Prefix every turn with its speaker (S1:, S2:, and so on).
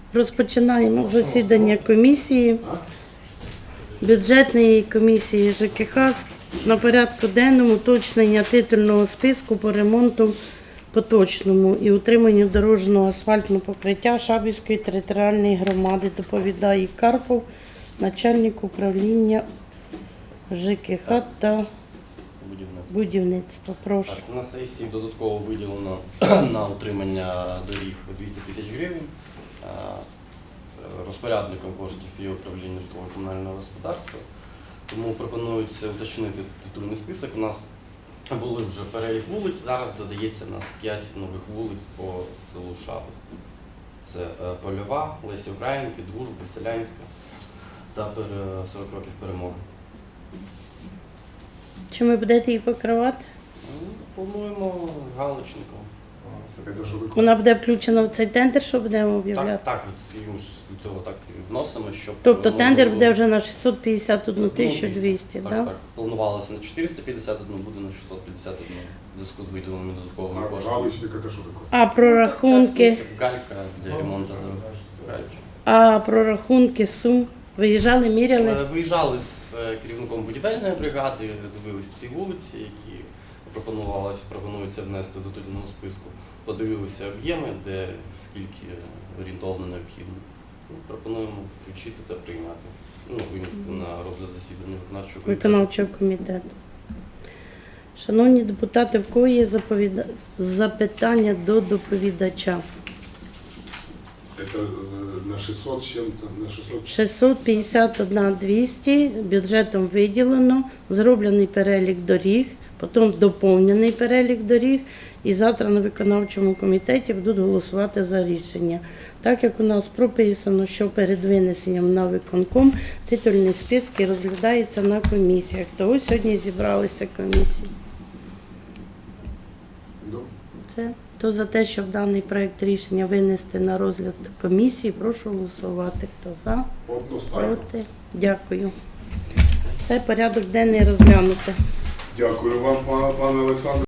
S1: Розпочинаємо засідання комісії, бюджетної комісії ЖКХ. На порядку денному уточнення титульного списку по ремонту поточному і утриманню дорожнього асфальтного покриття Шабівської територіальної громади. Доповідає Карпов, начальник управління ЖКХ та будівництва. Прошу.
S2: Так, на сесії додатково виділено на утримання доріг 200 тисяч гривень. Розпорядником коштів є управління житлово-комунального господарства. Тому пропонується уточнити титульний список. У нас були вже перелік вулиць, зараз додається у нас 5 нових вулиць по селу Шаби. Це Польова, Лесі Українки, Дружби, Селянська та 40 років перемоги.
S1: Чи ви будете її покривати?
S2: Плануємо галочником.
S1: Вона буде включена в цей тендер, що будемо об'являти?
S2: Так, ми ж до цього так і вносимо, щоб...
S1: Тобто тендер буде вже на 651 200, так?
S2: Так, планувалося на 451, буде на 651 в зв'язку з виділеними додатковими коштами.
S3: Галочник – це що таке?
S1: А прорахунки?
S2: Галька для ремонту гальки.
S1: А прорахунки сум? Виїжджали, міряли?
S2: Виїжджали з керівником будівельної бригади, дивилися ці вулиці, які пропонується внести до титульного списку. Подивилися об'єми, де скільки орієнтовно необхідно. Пропонуємо включити та прийняти. Винести на розгляд засідання
S1: Виконавчого комітету. Шановні депутати, в кого є запитання до доповідача?
S3: Это на 600 с чем-то, на 600.
S1: 651 200, бюджетом виділено, зроблений перелік доріг, потім доповнений перелік доріг, і завтра на виконавчому комітеті будуть голосувати за рішення. Так як у нас прописано, що перед винесенням на виконком титульні списки розглядаються на комісіях, то ось сьогодні зібралися комісії. Це. Хто за те, щоб даний проект рішення винести на розгляд комісії, прошу голосувати. Хто за?
S3: Одностайно.
S1: Проти? Дякую. Все, порядок денний розглянути.
S3: Дякую вам, пане Олександр.